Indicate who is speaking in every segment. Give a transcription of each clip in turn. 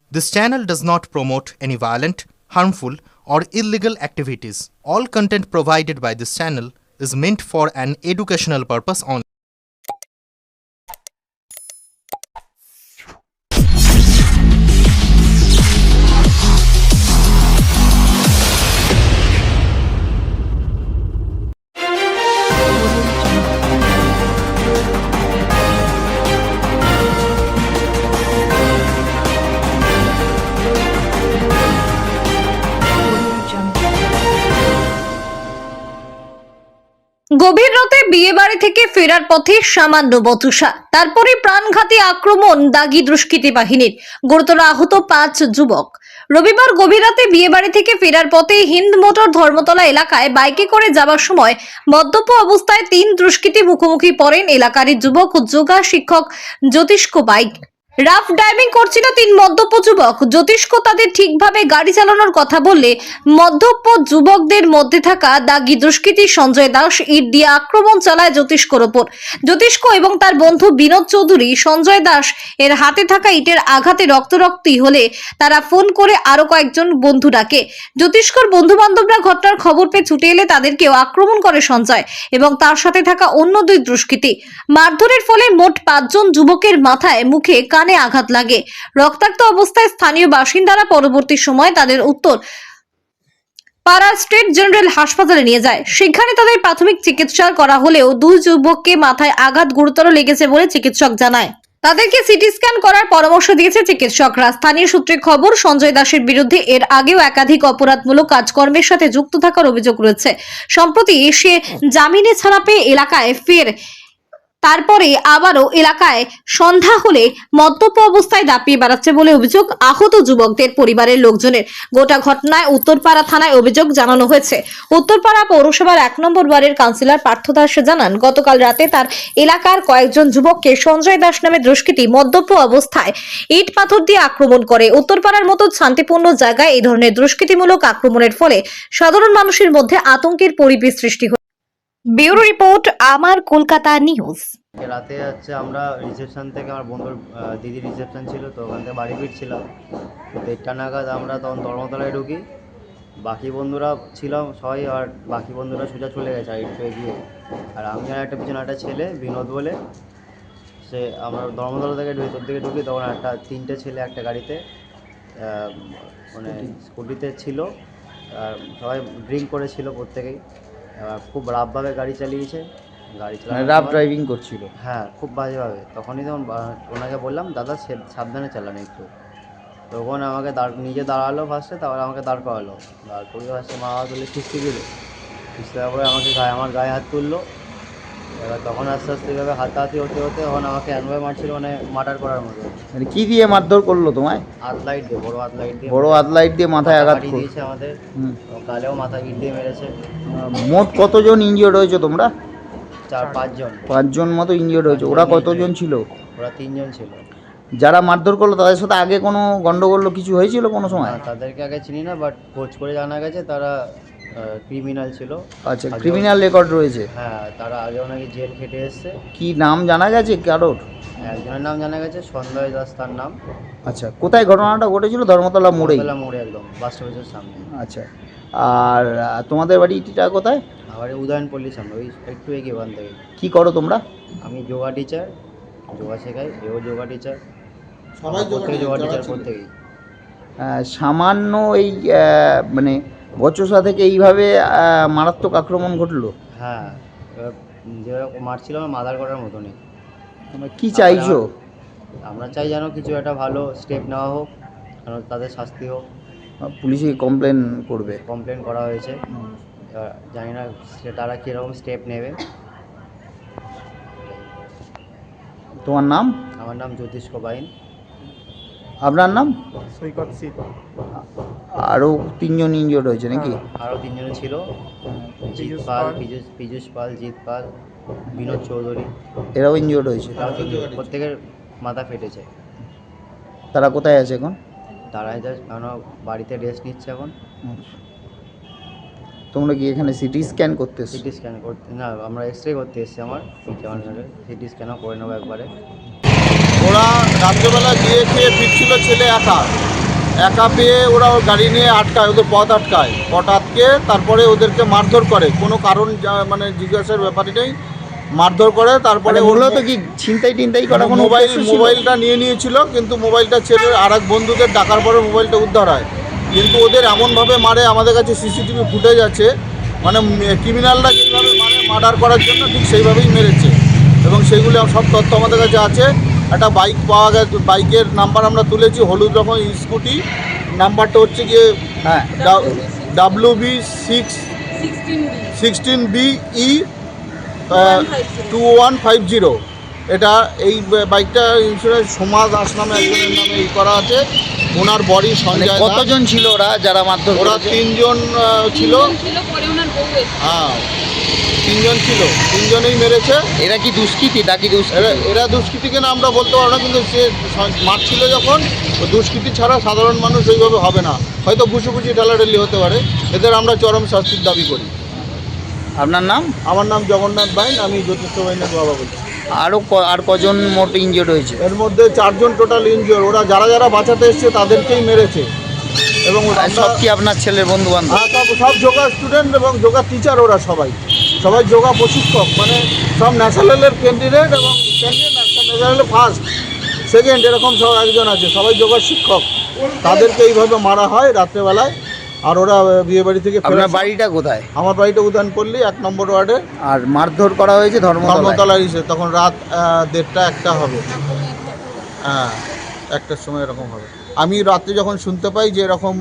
Speaker 1: This channel does not promote any violent, harmful, or illegal activities. All content provided by this channel is meant for an educational purpose only.
Speaker 2: গভীর রাতে বিয়ে বাড়ি থেকে ফেরার পথে সামান্য বচসা, তারপরে প্রাণঘাতী আক্রমণ দাগি দুষ্কৃতী বাহিনীর, গুরুতর আহত 5 যুবক। রবিবার গভীর রাতে বিয়ে বাড়ি থেকে ফেরার পথে হিন্দ মোটর ধর্মতলা এলাকায় বাইকে করে যাওয়ার সময় মদ্যপ অবস্থায় 3 দুষ্কৃতী মুখোমুখি পড়েন এলাকারই যুবক ও যোগা শিক্ষক জ্যোতিষ্ক বাইক। রাফ ড্রাইভিং করছিল 3 মদ্যপ যুবক। জ্যোতিষ্ক তাদের ঠিকভাবে গাড়ি চালানোর কথা বললে মদ্যপ যুবকদের মধ্যে থাকা দাগি দুষ্কৃতী সঞ্জয় দাস ইট দিয়ে আক্রমণ চালায় জ্যোতিষ্কর ওপর। জ্যোতিষ্ক এবং তার বন্ধু বিনোদ চৌধুরী সঞ্জয় দাস এর হাতে থাকা ইটের আঘাতে রক্তারক্তি হলে তারা ফোন করে আরো কয়েকজন বন্ধু ডাকে। জ্যোতিষ্কর বন্ধু বান্ধবরা ঘটনার খবর পেয়ে ছুটে এলে তাদেরকেও আক্রমণ করে সঞ্জয় এবং তার সাথে থাকা অন্য 2 দুষ্কৃতী। মারধরের ফলে মোট 5 জন যুবকের মাথায়, মুখে, কানে আঘাত লাগে। রক্তাক্ত অবস্থায় স্থানীয় বাসিন্দারা পরবর্তী সময় তাদের উত্তর পাড়া স্টেট জেনারেল হাসপাতালে নিয়ে যায়। সেখানে তাদের প্রাথমিক চিকিৎসা করা হলেও 2 যুবককে মাথায় আঘাত গুরুতর লেগেছে বলে চিকিৎসক জানায়। তাদেরকে সিটি স্ক্যান করার পরামর্শ দিয়েছে চিকিৎসকরা। স্থানীয় সূত্রে খবর, সঞ্জয় দাসের বিরুদ্ধে এর আগেও একাধিক অপরাধমূলক কাজকর্মের সাথে যুক্ত থাকার অভিযোগ রয়েছে। সম্প্রতি সে জামিনে ছাড়া পেয়ে এলাকায় ফের, তারপরে আবারও এলাকায় সন্ধ্যা হলে মদ্যপ অবস্থায় দাপিয়ে বেড়াচ্ছে বলে অভিযোগ আহত যুবকদের পরিবারের লোকজনের। গোটা ঘটনায় উত্তরপাড়া থানায় অভিযোগ জানানো হয়েছে। উত্তরপাড়া পৌরসভার 1 নম্বর ওয়ার্ডের কাউন্সিলর পার্থ দাস জানান, গতকাল রাতে তার এলাকার কয়েকজন যুবককে সঞ্জয় দাস নামে দুষ্কৃতী মদ্যপ অবস্থায় ইট পাথর দিয়ে আক্রমণ করে। উত্তরপাড়ার মতো শান্তিপূর্ণ জায়গায় এই ধরনের দুষ্কৃতিমূলক আক্রমণের ফলে সাধারণ মানুষের মধ্যে আতঙ্কের পরিবেশ সৃষ্টি হয়। ব্যুরো রিপোর্ট, আমার কলকাতা নিউজ।
Speaker 3: রাতে হচ্ছে আমরা রিসেপশন থেকে, আমার বন্ধুর দিদির রিসেপশন ছিল, তো ওখান থেকে বাড়ি ফিরছিলাম। তো 1:30 নাগাদ আমরা তখন ধর্মতলায় ঢুকি। বাকি বন্ধুরা ছিলাম সবাই, আর বাকি বন্ধুরা সোজা চলে গেছে আর একটু এগিয়ে। আর আমি আর একটা পিছনে একটা ছেলে বিনোদ বলে, সে আমরা ধর্মতলা থেকে ভেতর দিকে ঢুকি, তখন 3টে ছেলে একটা গাড়িতে মানে স্কুটিতে ছিল। আর সবাই ড্রিঙ্ক করেছিল প্রত্যেকেই, খুব রাফভাবে গাড়ি চালিয়েছে। গাড়ি
Speaker 4: রাফ ড্রাইভিং করছিল।
Speaker 3: হ্যাঁ, খুব বাজেভাবে। তখনই তখন ওনাকে বললাম, দাদা সাবধানে চালান একটু। তখন আমাকে নিজে দাঁড়ালো ফার্স্টে, তারপরে আমাকে দাঁড় করালো। দাঁড় করিয়ে ফার্স্টে মা বাবা তুলে খিস্তি দিল। খিস্তি দেওয়ার পরে আমাকে আমার গায়ে হাত তুললো। এবার তখন আস্তে আস্তে এভাবে হাতাহাতি হতে হতে তখন আমাকে এমনভাবে মারছিল, মানে মার্ডার করার মতো।
Speaker 4: মানে কি দিয়ে মারধর করলো তোমায়?
Speaker 3: হাতলাইট দিয়ে, বড় হাতলাইট দিয়ে।
Speaker 4: বড় হাতলাইট দিয়ে মাথায় আঘাত
Speaker 3: দিয়েছে আমাদের। গালেও মাথায় ইট দিয়ে মেরেছে।
Speaker 4: মোট কতজন ইনজিওর্ড হয়েছে তোমরা?
Speaker 3: 4-5 জন।
Speaker 4: 5 জন মতো ইনজিওর্ড হয়েছে। ওরা কতজন ছিল?
Speaker 3: ওরা 3 জন ছিল।
Speaker 4: যারা মারধর করলো তাদের সাথে আগে কোনো গন্ডগোল কিছু হয়েছিল কোনো সময়?
Speaker 3: তাদেরকে আগে চিনি না, বাট খোঁজ করে জানা গেছে তারা ক্রিমিনাল ছিল।
Speaker 4: আচ্ছা, ক্রিমিনাল রেকর্ড রয়েছে।
Speaker 3: হ্যাঁ, তারা আগেও নাকি জেল খেটে এসছে।
Speaker 4: কি নাম জানা গেছে কারোর?
Speaker 3: একজনের নাম জানা গেছে, সঞ্জয় দাস তার নাম।
Speaker 4: আচ্ছা, কোথায় ঘটনাটা ঘটেছিল? ধর্মতলা মোড়ে?
Speaker 3: মোড়ে, একদম বাস স্টপেজের সামনে।
Speaker 4: আচ্ছা, আর তোমাদের বাড়িটা কোথায়?
Speaker 3: আমার উদয়নপল্লীর সামনে, ওই একটু এগিয়ে ওখান থেকে।
Speaker 4: কি করো তোমরা?
Speaker 3: আমি যোগা টিচার, যোগা শেখাই। এও যোগা টিচার, সবাই যোগা টিচার প্রত্যেকেই।
Speaker 4: সামান্য এই মানে বচসা থেকে এইভাবে মারাত্মক আক্রমণ ঘটলো?
Speaker 3: হ্যাঁ, এবার যেরকম মারছিল আমার মাদার করার মতনই।
Speaker 4: তোমরা কি চাইছো?
Speaker 3: আমরা চাই যেন কিছু একটা ভালো স্টেপ নেওয়া হোক, কারণ তাদের শাস্তি হোক।
Speaker 4: পুলিশে কমপ্লেন করবে?
Speaker 3: কমপ্লেন করা হয়েছে। জানি না তারা কীরকম স্টেপ নেবে।
Speaker 4: তোমার নাম?
Speaker 3: আমার নাম জ্যোতিষ্ক বাইন।
Speaker 4: আপনার নাম?
Speaker 5: সৈকত শীত।
Speaker 4: আরও 3 জন ইনজিওর্ড হয়েছে নাকি?
Speaker 3: আরও 3 জন ছিল, জিৎ পাল, পীযুষ পাল, জিৎ পাল, বিনোদ চৌধুরী।
Speaker 4: এরাও ইনজিওর্ড হয়েছে?
Speaker 3: প্রত্যেকের মাথা ফেটেছে।
Speaker 4: তারা কোথায় আছে এখন?
Speaker 3: তারা কেন বাড়িতে রেস্ট নিচ্ছে এখন।
Speaker 4: তোমরা কি এখানে সিটি স্ক্যান করতে এসছো?
Speaker 3: সিটি স্ক্যান করতে না, আমরা এক্সরে করতে এসেছি। আমার সিটি স্ক্যানও করে নেবো একবারে।
Speaker 5: ওরা রাত্রেবেলা গিয়ে খেয়ে ফিরছিল ছেলে একা, একা পেয়ে ওরা ওর গাড়ি নিয়ে আটকায়, ওদের পথ আটকে তারপরে ওদেরকে মারধর করে, কোনো কারণ মানে জিজ্ঞাসার ব্যাপারই নেই, মারধর করে। তারপরে
Speaker 4: মানে মূলত কি ছিনতাই টিনতাই করা কোনো উদ্দেশ্য ছিল?
Speaker 5: মোবাইলটা নিয়ে নিয়েছিল, কিন্তু মোবাইলটা ছেড়ে আর এক বন্ধুদের ডাকার পরে মোবাইলটা উদ্ধার হয়। কিন্তু ওদের এমনভাবে মারে, আমাদের কাছে সিসিটিভি ফুটেজ আছে, মানে ক্রিমিনালরা যেইভাবে মানে মার্ডার করার জন্য ঠিক সেইভাবেই মেরেছে, এবং সেইগুলো সব তথ্য আমাদের কাছে আছে। একটা বাইক পাওয়া গেছে, বাইকের নাম্বার আমরা তুলেছি, হলুদ রকম স্কুটি, নাম্বারটা হচ্ছে গিয়ে
Speaker 4: হ্যাঁ,
Speaker 5: WB16BE 2150। এটা এই বাইকটা ইন্স্যুরেন্স সোমা দাস নামে একজনের নামে করা আছে। ওনার বডি
Speaker 4: মানে
Speaker 5: সঞ্জয় দাস।
Speaker 4: কতজন ছিল ওরা যারা মারধর
Speaker 5: ওরা
Speaker 4: করেছে?
Speaker 5: 3 জন ছিল। হ্যাঁ, 3 জন ছিল, 3 জনেই মেরেছে।
Speaker 4: এরা কি দুষ্কৃতী, ডাকি দুষ্কৃতী?
Speaker 5: এরা দুষ্কৃতী কিনা আমরা বলতে পারবো না, কিন্তু সে মারছিল যখন, দুষ্কৃতী ছাড়া সাধারণ মানুষ ওইভাবে হবে না, হয়তো ঘুষুঘুষি ঠেলাঠেলি হতে পারে। এদের আমরা চরম শাস্তির দাবি করি।
Speaker 4: আপনার নাম?
Speaker 5: আমার নাম জগন্নাথ বাইন, আমি জ্যোতিষ বাইনের বাবা বলছি।
Speaker 4: আর কজন মোট ইনজিওর্ড হয়েছে?
Speaker 5: এর মধ্যে 4 জন টোটাল ইনজিওর। ওরা যারা বাঁচাতে এসছে তাদেরকেই মেরেছে। এবং
Speaker 4: আর সব কি আপনার ছেলের বন্ধু বান্ধব?
Speaker 5: সব যোগা স্টুডেন্ট এবং যোগা টিচার। ওরা সবাই যোগা প্রশিক্ষক, মানে সব ন্যাশনালের ক্যান্ডিডেট এবং ন্যাশনালে ফার্স্ট সেকেন্ড এরকম সব একজন আছে, সবাই যোগা শিক্ষক। তাদেরকে এইভাবে মারা হয় রাত্রেবেলায়। আর ওরা বিয়ে বাড়ি থেকে
Speaker 4: আপনার বাড়িটা কোথায়?
Speaker 5: আমার বাড়িটা উদানপল্লী 1 নম্বর ওয়ার্ডে।
Speaker 4: আর মারধর করা হয়েছে
Speaker 5: ধর্মতলায় এসে, তখন রাত 1:30 1টা হবে। হ্যাঁ, 1টার সময় এরকম হবে। আমি রাত্রে যখন শুনতে পাই যে এরকম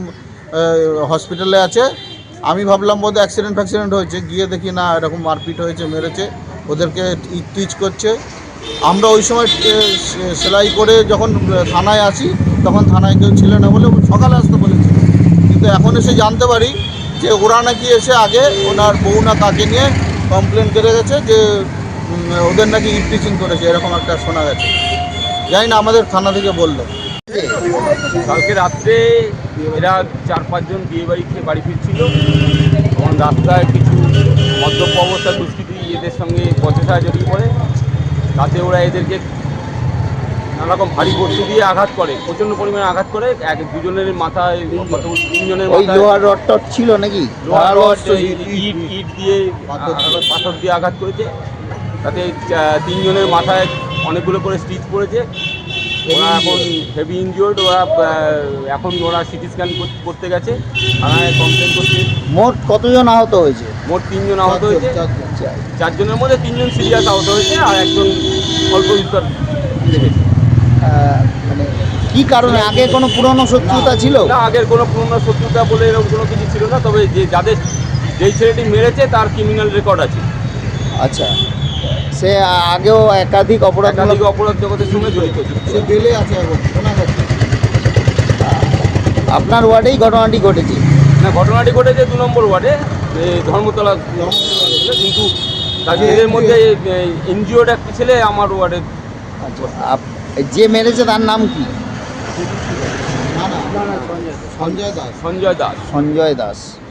Speaker 5: হসপিটালে আছে, আমি ভাবলাম বোধহয় অ্যাক্সিডেন্ট হয়েছে। গিয়ে দেখি না, এরকম মারপিট হয়েছে, মেরেছে, ওদেরকে টিচ করছে। আমরা ওই সময় সেলাই করে যখন থানায় আসি, তখন থানায় কেউ ছিল না বলে সকালে আসতে বলেছিল। কিন্তু এখন এসে জানতে পারি যে ওরা নাকি এসে আগে ওনার বউ না কাকে নিয়ে কমপ্লেন করে গেছে যে ওদের নাকি টিচিং করেছে, এরকম একটা শোনা গেছে। জানি না, আমাদের থানা থেকে বললো।
Speaker 6: কালকে রাত্রে এরা 4-5 জন বিয়ে বাড়ি খেয়ে বাড়ি ফিরছিল, তখন রাস্তায় কিছু মদ্যপ অবস্থার দুষ্কৃতী এদের সঙ্গে বচসা জড়িয়ে পড়ে। তাতে ওরা এদেরকে নানারকম ভারী বস্তু দিয়ে আঘাত করে, প্রচণ্ড পরিমাণে আঘাত করে। দুজনের মাথায়, 3 জনের
Speaker 4: ওই
Speaker 6: মাথায়
Speaker 4: লোহার রড ছিল নাকি?
Speaker 6: লোহার রড, ইট দিয়ে, পাথর দিয়ে আঘাত করেছে। তাতে 3 জনের মাথায় অনেকগুলো করে স্টিচ পড়েছে। ওরা এখন হেভি ইনজিওর্ড। এখন ওরা সিটি স্ক্যান করতে গেছে, থানায় কমপ্লেন করছে।
Speaker 4: মোট কতজন আহত হয়েছে?
Speaker 6: মোট 3 জন আহত হয়েছে। 4 জনের মধ্যে 3 জন সিরিয়াস আহত হয়েছে, আর একজন অল্প বিস্তর লেগেছে।
Speaker 4: মানে কি কারণে? আগে কোনো পুরনো শত্রুতা ছিল?
Speaker 6: না, আগের কোনো পুরনো শত্রুতা বলে এরকম কোনো কিছু ছিল না। তবে যেই ছেলেটি মেরেছে তার ক্রিমিনাল রেকর্ড আছে।
Speaker 4: আচ্ছা, সে আগেও একাধিক অপরাধ
Speaker 6: জগতের সঙ্গে জড়িত।
Speaker 5: সে বেলে আছে এখন, শোনা যাচ্ছে।
Speaker 4: আপনার ওয়ার্ডেই ঘটনাটি ঘটেছে?
Speaker 6: না, ঘটনাটি ঘটেছে 2 নম্বর ওয়ার্ডে, ধর্মতলা। কিন্তু এদের মধ্যে এনজিওর একটা ছেলে আমার ওয়ার্ডে।
Speaker 4: আচ্ছা, যে মেরেছে তার নাম কি?
Speaker 5: না, সঞ্জয় দাস।
Speaker 6: সঞ্জয় দাস।
Speaker 4: সঞ্জয় দাস।